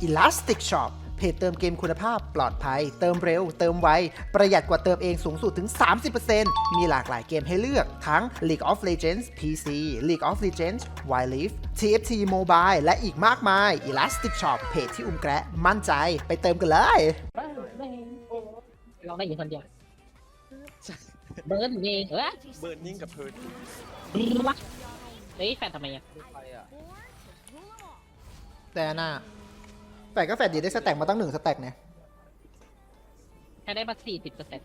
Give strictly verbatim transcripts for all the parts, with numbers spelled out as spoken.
Elastic Shop เพจเติมเกมคุณภาพปลอดภัยเติมเร็วเติมไวประหยัดกว่าเติมเองสูงสุดถึง สามสิบเปอร์เซ็นต์ มีหลากหลายเกมให้เลือกทั้ง League of Legends พี ซี League of Legends Wild Rift ที เอฟ ที Mobile และอีกมากมาย Elastic Shop เพจที่อุ้มแกะมั่นใจไปเติมกันเลยเราได้ยินคนเดียวเบิร์นเองเออเบิร์นนิ่งกับเพิร์ดวะเฮ้ยแฟนทำไมอ่ะแต่หน้าแฟดก็แฟดดีได้สแต็กมาตั้งหนึ่งสแต็กเนี่ยแค่ได้มาสี่สิบเปอร์เซ็นต์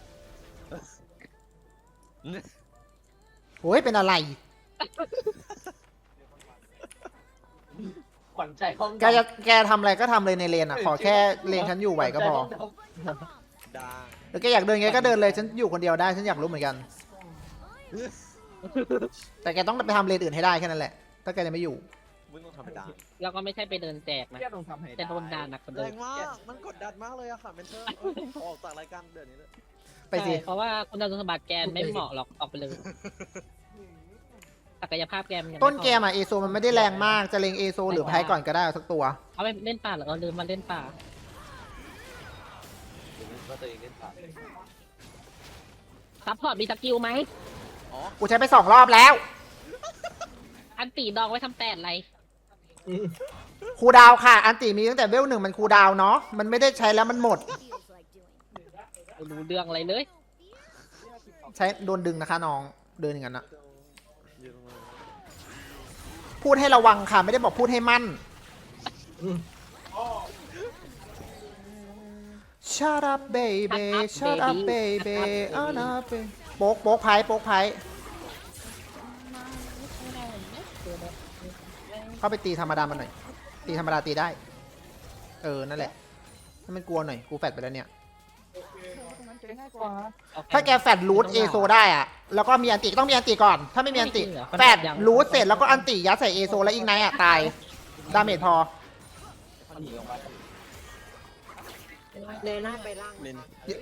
โอ้ยเป็นอะไรขวัญใจห้องแกจะแกทำอะไรก็ทำเลยในเลนอ่ะขอแค่เลนฉันอยู่ไหวก็พอดาแล้วแกอยากเดินไงก็เดินเลยฉันอยู่คนเดียวได้ฉันอยากรู้เหมือนกัน แต่แกต้องไปทำเลนอื่นให้ได้แค่นั้นแหละถ้าแกจะไม่อยู่มึงต้องทำดาเราก็ไม่ใช่ไปเดินแจกนะแค่ต้องทำให้แต่โดนด่าหนักกว่าแรเดิมงมาก มันกดดันมากเลยอะค่ะเมนเทอร์ออกจากรายการเดือนนี้เลยไปสิใช่เพราะว่าคุณสมบัติแกไม่เหมาะหรอกออกไปเลยศักยภาพแกมันยังไต้นเกมอ่ะเอโซมันไม่ได้แรงมากจะเลงเอโซหรือไพก่อนก็ได้เอาสักตัวเอาไปเล่นป่าเหรอเราลืมมาเล่นป่าว่าตัวเองเล่นป่าซัพพอร์ตมีสกิลไหมอ๋อกูใช้ไปสองรอบแล้วอันตีดองไว้ทำแปดอะไรครูดาวค่ะ อันติมีตั้งแต่เวลหนึ่งมันครูดาวเนาะมันไม่ได้ใช้แล้วมันหมดไม่รู้เรื่องอะไรเลยใช้โดนดึงนะคะน้องเดินอย่างนั้นนะยืนลงมาพูดให้ระวังค่ะไม่ได้บอกพูดให้มั่น Shut up baby Shut up baby อ่านะเปโป๊กโป๊กไพ่โป๊กไพ่เข้าไปตีธรรมดามันหน่อยตีธรรมดาตีได้เออนั่นแหละให้มันกลัวหน่อยกูแฟดไปแล้วเนี่ยถ้าแกแฟดรูทเอโซได้อะแล้วก็มีอันติต้องมีอันติก่อนถ้าไม่มีอันติแฟดรูทเสร็จแล้วก็อันติยัดใส่เอโซแล้วอีกไนอะตายดาเมจพอเลยหน้าไปล่างเมน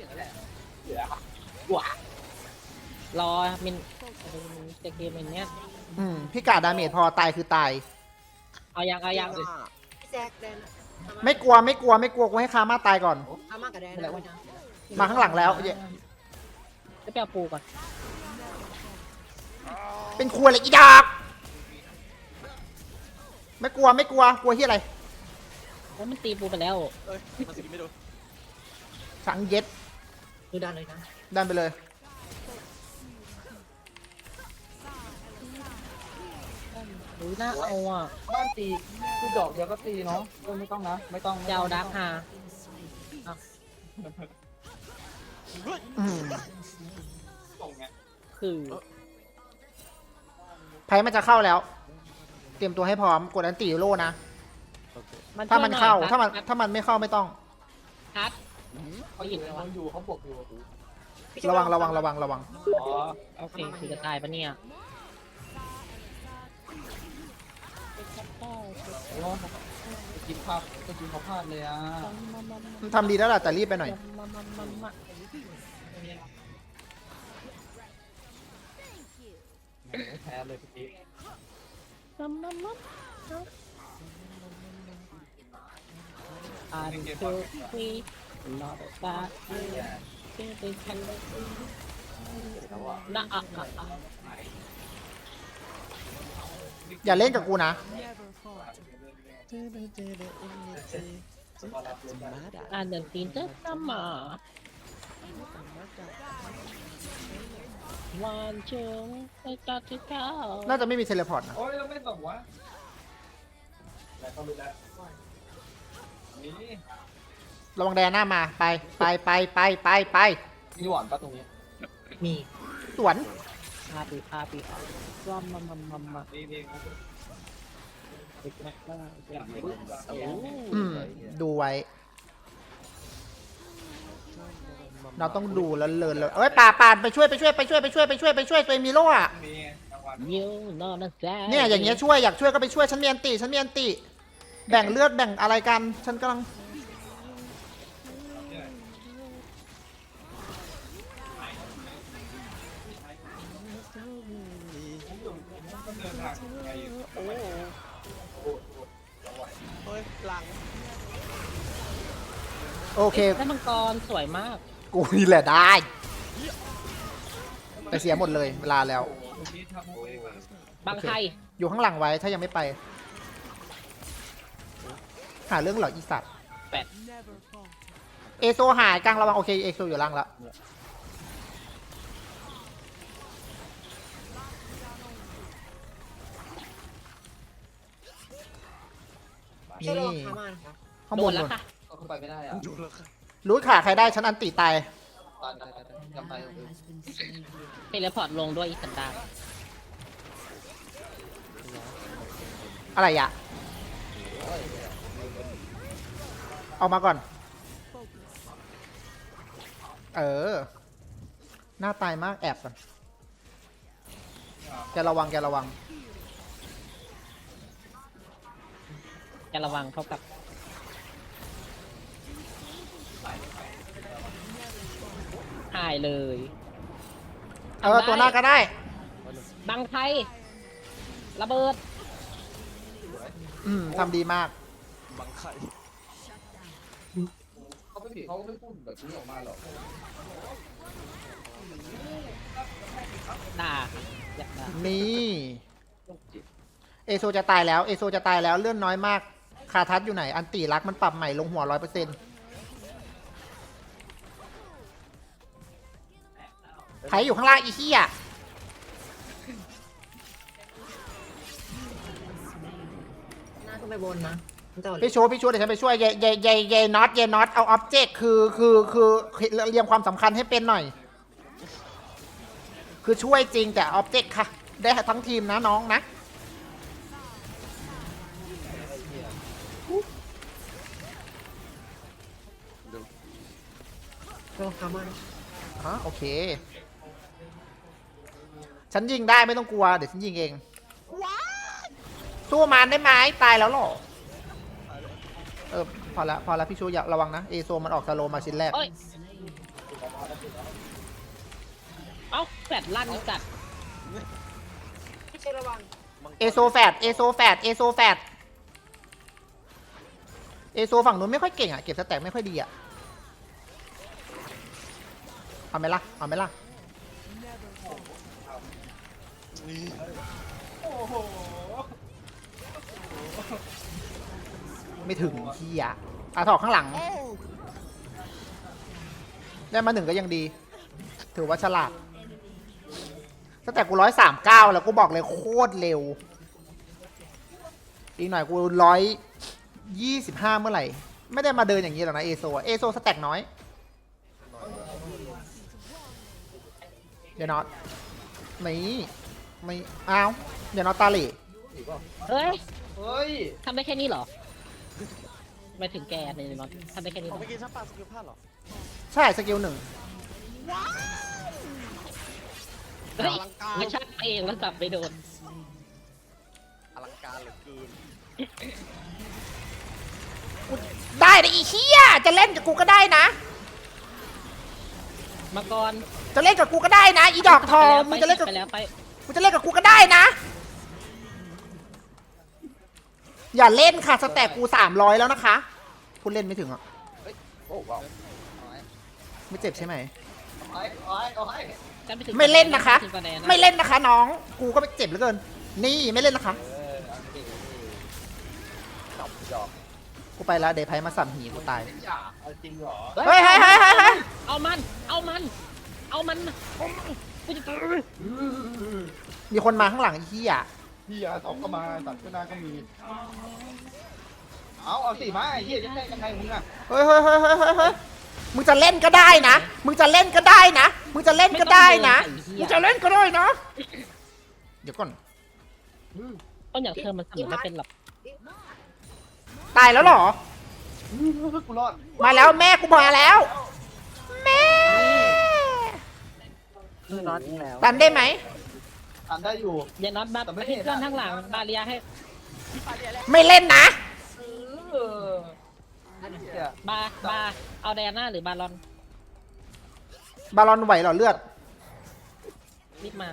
รอมินจะเกมอย่างเนี้ยอืมพี่กาดดาเมจพอตายคือตายเอายังเอายังพี่แจ็คแดนไม่กลัวไม่กลัวไม่กลัวกูให้คามาตายก่อนอามากับแดนแล้วนะมาข้างหลังแล้วจะไปเอาปูก่อนเป็นครัวเลยอีดอกไม่กลัวไม่กลัวกลัวที่อะไรแล้วมันตีปูไปแล้วเอ้ยมันสกิลไม่โดนสังเย็ดดูดันเลยนะดันไปเลยหรือน่าเอาอ่ะบ้านตีคือดอกเดียวก็ตีเนาะไม่ต้องนะไม่ต้องเจ้าดักฮาอืมคือไพ่มันจะเข้าแล้ว เตรียมตัวให้พร้อมกดอันติโลนะโอเคถ้ามันเข้าช่วยหอยถ้ามันคัดถ้ามันไม่เข้าไม่ต้องคัดเขาหยิบมันอยู่เขาบวกอยู่ระวังระวังระวังระวังอ๋อโอเคคือจะตายปะเนี่ยโอ้กินภาพก็กินเขาพลาดเลยอ่ะมันทำดีแล้วล่ะแต่รีบไปหน่อยแพ้เลยพี่อันคือคุยรอดตาเป็นเป็นคันเลยน่าอ่ะอ่ะอ่ะอย่าเล่นกับกูนะอ่านเดินตีนเต้นน้ำหมาวันเชิงไปตัดที่เท้าน่าจะไม่มีเทเลพอร์ตนะโอ้ยเราไม่ตอบวะแล้วก็รู้แล้วนี่ระวังแดนหน้ามาไปไปไปไปไปไปมีหวานปะตรงนี้มีสวนพาปีพาปีว่ามามามามามีมีเด็กแม่บ้าอืมดูไว้ เราต้องดูแล้วเลินเลยเอ้ยป่าป่าไปช่วยไปช่วยไปช่วยไปช่วยไปช่วยไปช่วยตัวมีโล่อะมีรางวัลยูนอนนะจ๊ะเนี่ยอย่างเงี้ยช่วยอยากช่วยก็ไปช่วยฉันมีอันติฉันมีอันติแบ่งเลือดแบ่งอะไรกันฉันกำลังเฮ้ยหลังโอเคได้มังกรสวยมากกูนี่แหละได้แต่เสียหมดเลยเวลาแล้วบางไทยอยู่ข้างหลังไว้ถ้ายังไม่ไป หาเรื่องเหรออีสัตว์แปดเอโซหายกลางระวังโอเคเอโซอยู่ล่างแล้วนี่ข้างโดบนนแล้วนู่นค่ะเข้าไปไม่ได้อะดูแล้วค่ะรู้ขาใครได้ฉันอันติตายตายตายตายจำไปเทเลพอร์ตลงด้วยอีสันดานอะไรอะเอามาก่อน เออ หน้าตายมากแอบก่อนแกระวังแกระวังจะระวังเท่ากับ หายเลยเออ ตัวหน้าก็ได้บางไทย ระเบิดอืมทำดีมากบังไข่เขาไม่ผิดเขาก็ไม่พูดแบบนี้ออกมาหรอกด่าค่ะอยากด่านี่ เอโซจะตายแล้ว เอโซจะตายแล้วเลื่อนน้อยมาก คาทัศอยู่ไหน อันตีรักมันปรับใหม่ลงหัวร้อยเปอร์เซ็นต์ไถอยู่ข้างล่างอีเหี้ยหน้าก็ไปบนนะแต่ว่าพี่ชูพี่ชูเดี๋ยวฉันไปช่วยเยเยเยเยน็อตเยน็อตเอาอ็อบเจกต์คือคือคือเรียงความสำคัญให้เป็นหน่อย คือช่วยจริงแต่อ็อบเจกต์ค่ะ ได้ทั้งทีมนะน้องนะโลคามันอ๋อโอเค ฉันยิงได้ไม่ต้องกลัว เดี๋ยวฉันยิงเองสู้มันได้ไหมตายแล้วเหรอ เออ พอละพอละพี่ชูอย่าระวังนะ เอโซมันออกสโลมาชิ้นแรกเอ้ย เอ้าแฟดลั่นจัดไม่ใช่ระวังเอโซแฟดเอโซแฟดเอโซแฟดเอโซฝั่งนู้นไม่ค่อยเก่งอ่ะ เก็บสแต็กไม่ค่อยดีอ่ะ เอาไหมล่ะ เอาไหมล่ะนี่ไม่ถึงที่อ่ะอาถอกข้างหลัง ได้มาหนึ่งก็ยังดี ถือว่าฉลาดตั้งแต่กูร้อยสามเก้าแล้วกูบอกเลยโคตรเร็ว อีกหน่อยกูร้อยยี่สิบห้าเมื่อไหร่ ไม่ได้มาเดินอย่างนี้หรอกนะเอโซเอโซสแต็กน้อย เดี๋ยวนอตไม่ไม่อ้าวเดี๋ยวนอตตาเหล่เฮ้ยเฮ้ยทำได้แค่นี้เหรอ ไม่ถึงแกในนอนทำได้แค่นี้เหรอเมื่อกี้ฉันปาสกิลพลาดเหรอใช่สกิลหนึ่งเฮ้ยไม่ใช่เองแล้วกลับไปโดนอลังการเหลือเกินได้นะอีเหี้ยจะเล่นกับกูก็ได้นะมาก่อนจะเล่นกับกูก็ได้นะ อีดอกทองมึงจะเล่นกับไปแล้วไปมึงจะเล่นกับกูก็ได้นะ อย่าเล่นค่ะสแต็กกูสามร้อยแล้วนะคะพูดเล่นไม่ถึงอ่ะโอ้ว้าวไม่เจ็บใช่ไหมเอาให้เอาให้เอาให้ฉันปถึงไม่เล่นนะคะถึงกว่าแนะไม่เล่นนะคะ น้องกูก็ไม่เจ็บเหลือเกิน นี่ไม่เล่นนะคะเออเอาดิจับดอกกูไปแล้วเดย์ไพมาสั่มหีกูตายอย่าเอาจริงเหรอเฮ้ยเฮ้ยเฮ้ยเฮ้ยเฮ้ยเอามัน เอามัน เอามันเอามันกูจะตายมีคนมาข้างหลังไอ้เหี้ยพี่ยาสองก็มาตัดก็นาก็มี เอาเอาสิมาไอ้เหี้ยจะได้ยังไงมึงอ่ะเฮ้ยเฮ้ยเฮ้ยเฮ้ยเฮ้ยเฮ้ยมึงจะเล่นก็ได้นะ มึงจะเล่นก็ได้นะ มึงจะเล่นก็ได้นะ มึงจะเล่นก็ได้นะ เดี๋ยวก่อนต้นอย่างเธอมันทำไม่เป็นหรอกตายแล้วเหรอกูรอดมาแล้วแม่กูมาแล้ว แม่น็อตแล้วตันได้ไหมทันได้อยู่อย่าน็อตบัฟแต่ไม่ให้เห็นเพื่อนอะทั้งหลังบาเรียให้ไม่เล่นนะเออเนี่ยบาบาเอาแดน่าหรือบาลอนบาลอนไหวเหรอเลือดรีบมา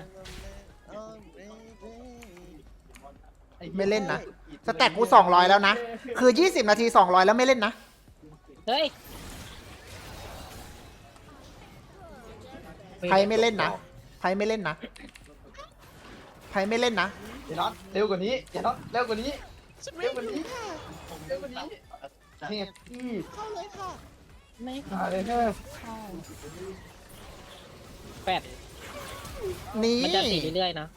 ไม่เล่นนะ สแต็กกูสองร้อยแล้วนะ คือยี่สิบนาทีสองร้อยแล้วไม่เล่นนะเฮ้ยไพ่ไม่เล่นนะไพ่ไม่เล่นนะไพ่ไม่เล่นนะอย่าน็อตเร็วกว่านี้อย่าน็อตเร็วกว่านี้ฉันไม่เร็วกว่ารู้นี้ค่ะเร็วกว่านี้เฮ้ยพี่เข้าเลยค่ะไม่มาเลยเถอะเข้าแปดนี่มันจะสีเรื่อยๆนะ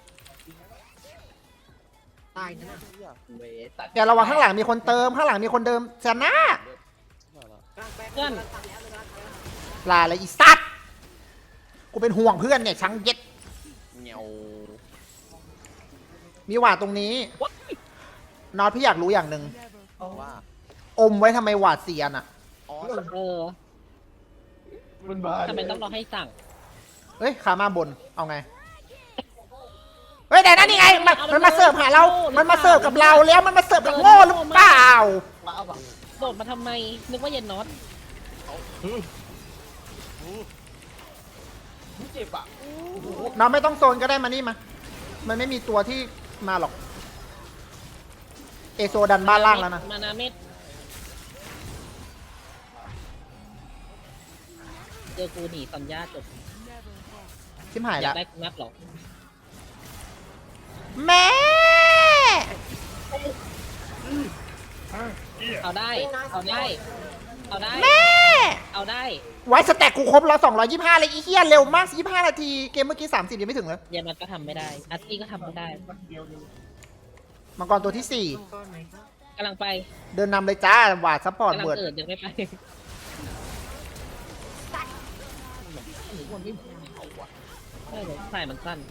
ตายนั่นน่ะเวตัดอย่าระวังข้างหลังมีคนเติมข้างหลังมีคนเดิมชนะกลางแป๊บเพื่อนกลางตัดแล้วกลางตัดแล้วลาเลยอีสัตว์กูเป็นห่วงเพื่อนเนี่ยช้างเย็ดเงียวมีหวาดตรงนี้นอตพี่อยากรู้อย่างหนึ่งว่าอมไว้ทำไมหวาดเสียนอ่ะอ๋อเออมันมาทำไมต้องรอให้สั่งเฮ้ยขามาบนเอาไงเฮ้ยแต่นั่นนี่ไงมันมันมาเสิร์ฟหาเรา มันมาเสิร์ฟกับเราแล้วมันมาเสิร์ฟกับโง่หรือเปล่ามาเอาแบบโดดมาทำไม นึกว่าเย็นน็อตเจ็บอ่ะน้องไม่ต้องโซนก็ได้มานี่มา มันไม่มีตัวที่มาหรอก เอโซดันบ้านล่างแล้วนะมานาเม็ดเจอกูหนีสัญญาจบชิมหายอยาแล้กวได้นัดหรอแม่เอาได้ เอาได้ เอาได้แม่เอาได้ไว้สแต็กกูครบแล้วสองร้อยยี่สิบห้าเลยอีเหี้ยเร็วมากยี่สิบห้านาที เกมเมื่อกี้สามสิบยังไม่ถึงเลยเย็นน็อตก็ทำไม่ได้อาร์ตี้ก็ทำไม่ได้มังกรตัวที่สี่มังกรไหนครับกำลังไปเดินนำเลยจ้าหวาดซัพพอร์ตกำลังเบิร์ดเกิดยังไม่ไปใช่เลยสายมันสั้น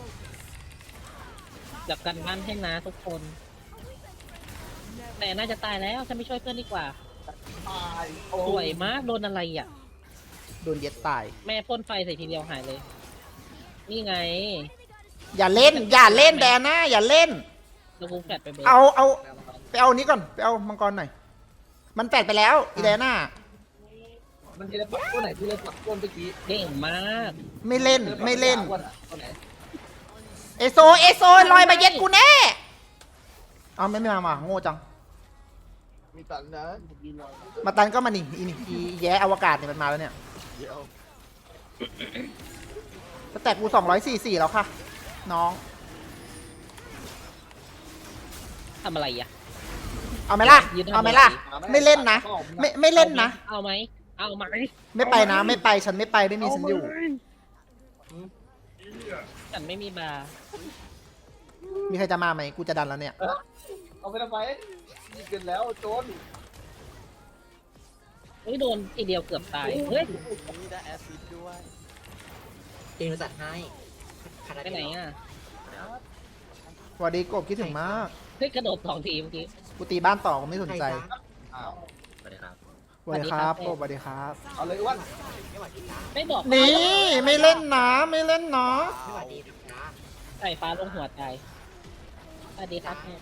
จับกันบ้านให้นะทุกคน แต่น่าจะตายแล้วฉันไม่ช่วยเพื่อนดีกว่าตายโอ้สวยมากโดนอะไรอ่ะโดนเย็ดตายแม่พ่นไฟใส่ทีเดียวหายเลย นี่ไงอย่าเล่น อย่าเล่นแดน่าอย่าเล่นแล้วกูแฟดไปเบรเอาเอาไปเอานี้ก่อน ไปเอามังกรหน่อย มันแปดไปแล้วอีแดน่ามันทีละปักตัวไหนทีละปักตัวเมื่อกี้เก่งมากไม่เล่น ไม่เล่นตัวไหนเอโซ เอโซลอยมาเย็ดกูแน่ เอาไม่ไม่มามาโง่จังมีตันนะมาตันก็มานี่อีนี่อีแย่อวกาศเนี่ยมันมาแล้วเนี่ยเดี๋ยวสแต็กกูสองร้อยสี่สี่แล้วค่ะ น้องทำอะไรอ่ะเอาไหมล่ะยืนทำเอาไหมล่ะอะไรไม่เล่นนะ ไม่ไม่เล่นนะเอาไหม เอาไหมไม่ไปนะ ไม่ไป ฉันไม่ไป ไม่มีฉันอยู่ฉันไม่มีบาร์มีใครจะมาไหม กูจะดันแล้วเนี่ยเอาไปทำไมยิงกันแล้วโจนเฮ้ยโดนทีเดียวเกือบตาย เฮ้ยนี่ได้แอสซิดด้วยเอ็นจัดให้ขาดไปไหนอ่ะสวัสดีกบคิดถึงมากเฮ้ยกระโดดสองทีเมื่อกี้กูตีบ้านต่อกูไม่สนใจอ้าวสวัสดีครับสวัสดีครับกบสวัสดีครับเอาเลยอ้วันไม่บอกนี่ไม่เล่นนะไม่เล่นนะไม่หวัดดีนะใส่ฟ้าลงหัวตายสวัสดีครับแม่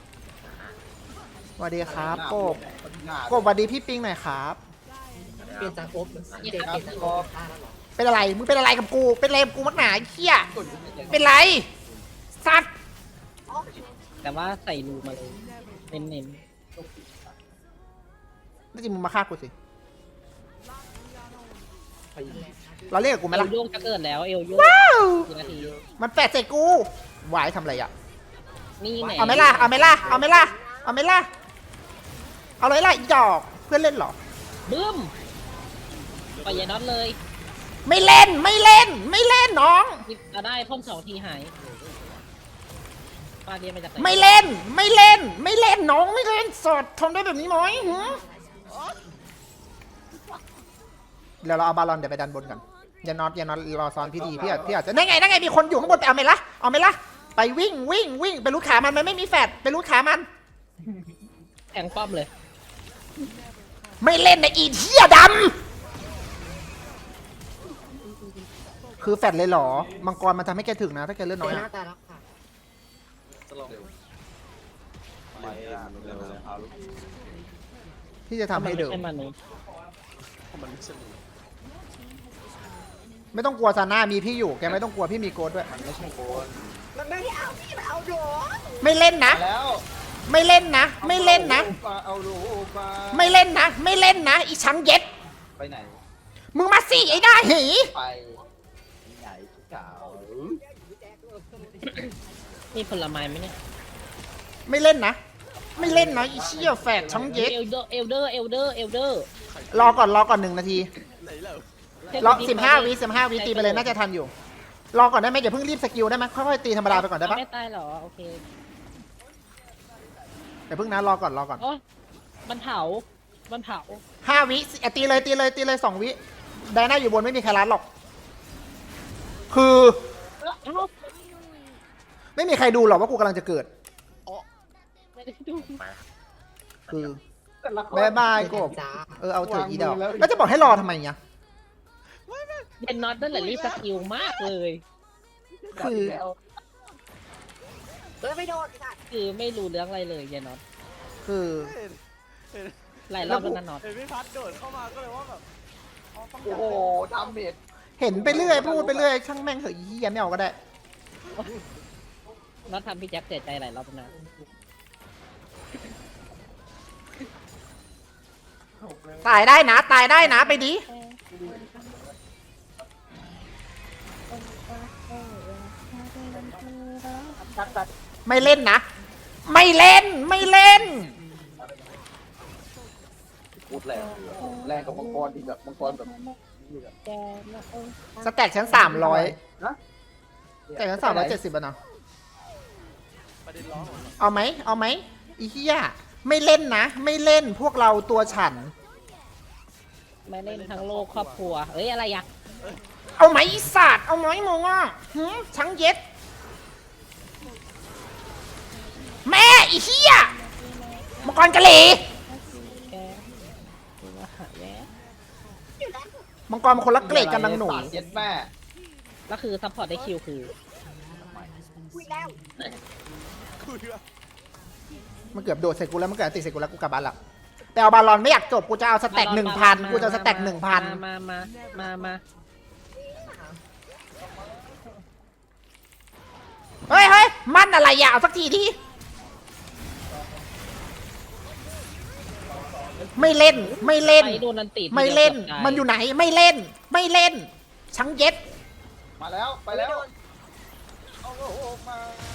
สวัสดีครับกบหน้ากบสวัสดีพี่ปิงหน่อยครับเปลี่ยนจากโอ๊บเปลี่ยนเปลี่ยนจากโอ๊บได้แล้วเหรอเป็นอะไร มึงเป็นอะไรกับกู เป็นอะไรกับกูมักหนาไอ้เหี้ย เป็นไร สัตว์แต่ว่าใส่รูมาเลย เน้นนี่จริงมึงมาฆ่ากูสิ เราเรียกกับกูๆไหมเอล่ะลโยกจะเกิดแล้ว เอลโยกว้าวกี่นาทีมันแปดใส่กูหวายทำอะไรอ่ะนี่ไหนเอาไหมล่ะ เอาไหมล่ะ เอาไหมล่ะ เอาไหมล่ะ เอาเลยล่ะอีดอก เพื่อนเล่นเหรอบึ้มปล่อยยายน็อตเลยไม่เล่น ไม่เล่น ไม่เล่นน้องจะได้พ่นสองทีหายปลาเดียนมาจากไหนไม่เล่น ไม่เล่น ไม่เล่นน้องไม่เล่นสดทนได้แบบนี้ไหมหือเดี๋ยวเราเอาบาลอนเดี๋ยวไปดันบนกันอย่านอนอย่านอนรอซ้อนพี่ดีพี่อาจพี่อาจจะนั่นไงนั่นไงมีคนอยู่ข้างบนไปเอาไหมล่ะเอาไหมล่ะไปวิ่งวิ่งวิ่งไปรูดขามันมันไม่มีแฟดไปรูดขามันแทงป้อมเลยไม่เล่นในะอีเหี้ยดำคือแฟดเลยเหรอมังกรมันทำให้แกถึงนะถ้าแกเลือดน้อยหน้าอะตายแล้วค่ะจะลองไปอ่ะเร็วเลยครับที่จะทำให้เดิมไม่ใช่มนุษย์เพราะมันไม่ใช่หนูไม่ต้องกลัวซาน่ามีพี่อยู่แกไม่ต้องกลัวพี่มีโกดด้วยมันไม่ใช่โกนมันไม่ได้เอาพี่มาเอาโดนไม่เล่นนะแล้วไม่เล่นนะ ไม่เล่นนะเอาลูกมาไม่เล่นนะ ไม่เล่นนะอีช้างเย็ดไปไหนมึงมาสิไอ้หน้าหีไปใหญ่เก่ามีผลไม้ไหมเนี่ยไม่เล่นนะ ไม่เล่นนะอีเชี่ยแฝดช่องเย็ดเอลเดอร์เอลเดอร์เอลเดอร์เอลเดอร์รอก่อนรอก่อนหนึ่งนาทีไหนเหรอรอสิบห้าวิสิบห้าวิตีไปเลยน่าจะทันอยู่ รอก่อนได้ไหมอย่าเพิ่งรีบสกิลได้ไหมค่อยๆตีธรรมดาไปก่อนได้ปะไม่ตายเหรอโอเคอย่าเพิ่งนะรอก่อนรอก่อนโอ้ยมันเผามันเผาห้าวิอ่ะตีเลยตีเลยตีเลยสองวิไดน่าอยู่บนไม่มีใครรัดหรอก คือเอ้าไม่มีใครดูหรอกว่ากูกำลังจะเกิดไม่ได้ดูคือแต่ละคนบายบายกบจ้าเออเอาเถอะอีดอกวางมือแล้วแล้วจะบอกให้รอทำไมเนี่ยเดนน็อตนั่นแหละรีบสกิลมากเลยคือเออไม่โดนค่ะคือไม่รู้เรื่องอะไรเลยเดนน็อตคือหลายรอบแล้วนะน็อตเห็นพี่พัดโดดเข้ามาก็เลยว่าแบบอ๋อต้องโอ้โหดาเมจเห็นไปเรื่อยพูดไปเรื่อยช่างแม่งเถอะอีเหี้ยไม่เอาก็ได้น็อตทำพี่แจ็คเสียใจหลายรอบแล้วนะตายได้นะ ตายได้นะไปดิตัดตัดไม่เล่นนะ ไม่เล่นไม่เล่นพูดแรงแรงกับมังกรที่แบบมังกรแบบสแต็กชั้นสามร้อยนะสแต็กชั้นสามร้อยเจ็ดสิบอะเนาะประเด็นร้อนเอาไหมเอาไหมอีเหี้ยไม่เล่นนะ ไม่เล่นพวกเราตัวฉันไม่เล่นทั้งโลกครอบครัวเอ้ยอะไรอะเอาไหมอีสัตว์เอาไหมมึงอ่ะหืมช้างเย็ด แม่อีเหี้ยมังกรกะหรี่แกดูว่าหาแย่มังกรมันคนละเกรดกันนางหนูเย็ดแม่แล้วคือซัพพอร์ตได้คิวคือคุยแล้วคุยว่ามันเกือบโดดใส่กูแล้วมันเกือบติดใส่กูแล้วกูกลับบ้านละแต่เอาบาลอนไม่อยากจบกูจะเอาสแต็กหนึ่งพันกูจะเอาสแต็กหนึ่งพันมามามามาเฮ้ยเฮ้ยมันอะไรอย่าเอาสักทีที่ไม่เล่นไม่เล่นไปโดนนันติไม่เล่นมันอยู่ไหนไม่เล่น ไม่เล่นช้างเย็ดมาแล้วไปแล้วเอาโอ้โหมา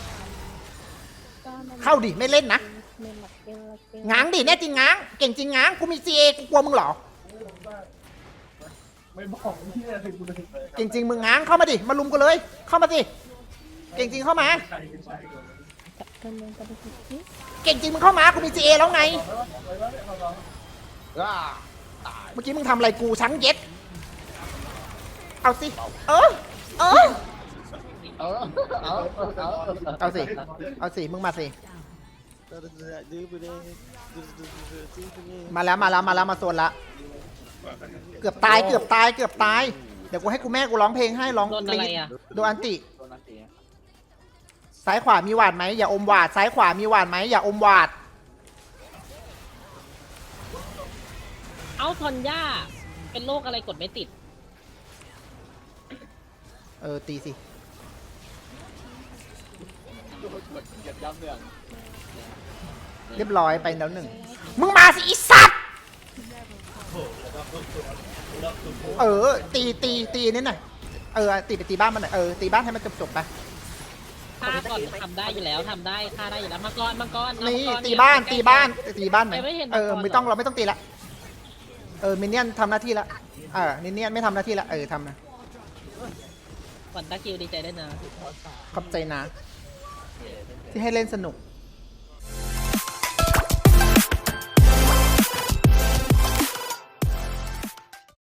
เข้าดิไม่เล่นนะง้างดิแน่จริงง้างเก่งจริงง้างกูมีซีเอกูกลัวมึงเหรอไม่บอกที่อะไรกูเลยเก่งจริงมึงง้างเข้ามาดิมาลุมกูเลย เข้ามาสิเก่งจริงเข้ามาใช่ใช่เก่งจริงมึงเข้ามากูมีซีเอแล้วไงอ่าเมื่อกี้มึงทำอะไรกูช้างเย็ดเอาสิเออเออเออเอาเอาเอาสิเอาสิมึงมาสิมาแล้วมาแล้วมาแล้วมาโซนละเกือบตายเกือบตายเกือบตายเดี๋ยวกูให้กูแม่กูร้องเพลงให้ร้องโดนอะไรอ่ะโดนอันติโดนนักเตะซ้ายขวามีหวาดไหมอย่าอมหวาดซ้ายขวามีหวาดไหมอย่าอมหวาดเอาทอนย่าเป็นโรคอะไรกดไม่ติดเออตีสิเหยียดย้ำเนี่ยเรียบร้อยไปแล้วหนึ่งมึงมาสิอีสัตว์เออตีตีตีนี่หน่อยเออตีไปตีบ้านมันหน่อยเออตีบ้านให้มันจบจบๆไปฆ่าก่อนทำได้อยู่แล้วทำได้ฆ่าได้อยู่แล้วมังกรมังกรเอานี่มังกรตีบ้านใกล้ๆตีบ้านตีบ้านไหมไม่เห็นเออมังกรไม่ต้องเหรอเราไม่ต้องตีละเออมินเนี่ยนทำหน้าที่ละเออมินเนี่ยนไม่ทำหน้าที่ละเออทำนะก่อนตาคิวดีใจได้วยนะขอบใจนะ ที่ให้เล่นสนุก